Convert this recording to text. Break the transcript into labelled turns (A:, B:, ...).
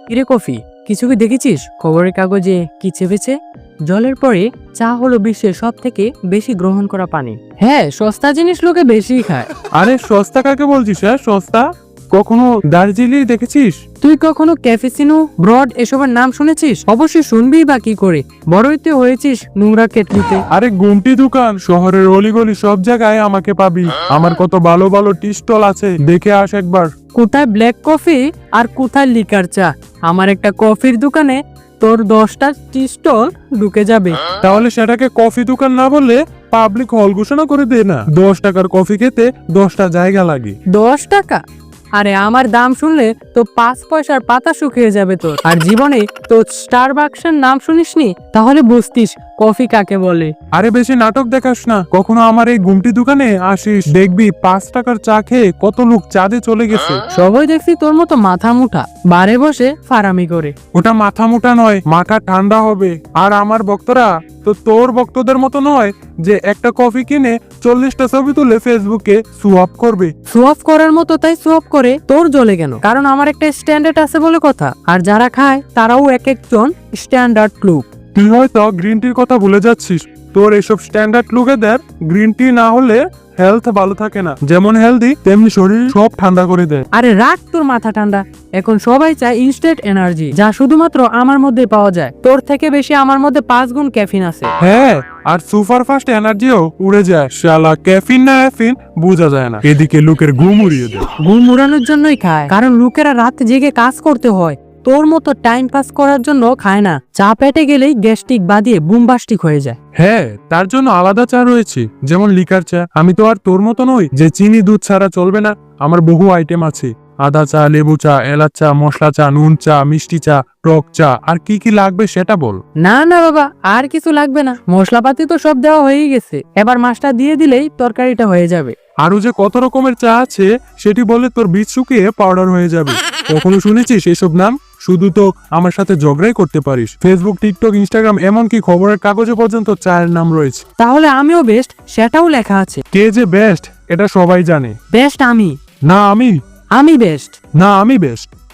A: কিরে কফি, কিছু কি দেখেছিস খবরের কাগজে কি চেপেছে? জলের পরে চা হলো বিশ্বের সব থেকে বেশি গ্রহণ করা পানি। হ্যাঁ, সস্তা জিনিস লোকে বেশি খায়।
B: আরে সস্তা কাকে বলছিস? হ্যাঁ সস্তা? কখনো দার্জিলিং দেখেছিস?
A: তুই কখনো ক্যাফেচিনো, ব্রড এসবের নাম শুনেছিস? অবশ্যই শুনবি বা কি করে, বড়ই তো হয়েছিস নোংরা কেটলিতে।
B: আরে গুমটি দোকান শহরের অলিগলি সব জায়গায় আমাকে পাবি। আমার কত ভালো ভালো টি স্টল আছে, দেখে আস একবার।
A: কোথায় ব্ল্যাক কফি আর কোথায় লিকার চা? আমার একটা কফির দোকানে তোর 10টা টি স্টল ঢুকে যাবে।
B: তাহলে সেটাকে কফি দোকান না বললে পাবলিক হল ঘোষণা করে দে না। 10 টাকার কফি খেতে 10টা জায়গা লাগে।
A: 10 টাকা? আরে আমার দাম শুনলে তো 5 পয়সার পাতা শুকিয়ে যাবে তোর। আর জীবনে তো স্টারবাকসের নাম শুনিসনি? তাহলে বুঝতিস কফি কাকে বলে।
B: আরে বেশি নাটক দেখাস না। কখনো আমার এই গুমটি দোকানে আসিস, দেখবি 5 টাকার চা খেয়ে কত লোক চাঁদে চলে গেছে।
A: সবাই দেখছি তোর মতো মাথা মুঠা বারে বসে ফারামি করে।
B: ওটা মাথা মোটা নয়, মাথা ঠান্ডা হবে। আর আমার ভক্তরা তো তোর ভক্তদের মতো নয় যে একটা কফি কিনে 40টা ছবি তুলে ফেসবুকে সোয়াপ করবে।
A: সোয়াপ করার মতো তাই সোয়াপ করে, তোর জ্বলে কেন? কারণ আমার একটা স্ট্যান্ডার্ড আছে বলে কথা। আর যারা খায় তারাও এক একজন স্ট্যান্ডার্ড লুক।
B: তুই হয়তো গ্রিন টির কথা ভুলে যাচ্ছিস। তোর এসব স্ট্যান্ডার্ড লুকেদের গ্রিন টি না হলে হেলথ ভালো থাকে না। যেমন হেলদি তেমনি শরীর সব ঠান্ডা করে দেয়।
A: আরে রাখ তোর মাথা ঠান্ডা। এখন সবাই চায় ইনস্ট্যান্ট এনার্জি, যা শুধুমাত্র আমার মধ্যে পাওয়া যায়। তোর থেকে বেশি আমার মধ্যে 5 গুণ ক্যাফিন আছে।
B: হ্যাঁ, আর সুপার ফাস্ট এনার্জিও উড়ে যায়। শালা ক্যাফিন না এফিন বোঝা যায় না। এদিকে লোকের ঘুম উড়িয়ে দেয়।
A: ঘুম উড়ানোর জন্যই খায়, কারণ লোকেরা রাত জেগে কাজ করতে হয়। তোর মতো টাইম পাস করার জন্য খায় না। চা পেটে গেলেই গ্যাস্ট্রিক বাদিয়ে বুমবাস্টিক হয়ে যায়।
B: হ্যাঁ, তার জন্য আলাদা চা রয়েছে, যেমন লিকার চা। আমি তো আর তোর মতো নই যে চিনি দুধ ছাড়া চলবে না। আমার বহু আইটেম আছে। আদা চা, লেবু চা, এলাচ চা, মশলা চা, নুন চা, মিষ্টি চা, টক চা। আর কি কি লাগবে সেটা বল।
A: না না বাবা, আর কিছু লাগবে না। মশলাপাতি তো সব দেওয়া হয়েই গেছে। এবার মাছটা দিয়ে দিলেই তরকারিটা হয়ে যাবে।
B: আরো যে কত রকমের চা আছে সেটি বলে তোর বীজ শুকিয়ে পাউডার হয়ে যাবে। কখনো শুনেছিস এসব নাম? শুধু তো আমার সাথে ঝগড়াই করতে পারিস। ফেসবুক, টিকটক, ইনস্টাগ্রাম, এমনকি খবরের কাগজে পর্যন্ত চায়ের নাম রয়েছে।
A: তাহলে আমিও বেস্ট, সেটাও লেখা আছে।
B: কে যে বেস্ট এটা সবাই জানে।
A: বেস্ট আমি।
B: না আমি
A: আমি বেস্ট।
B: না আমি বেস্ট।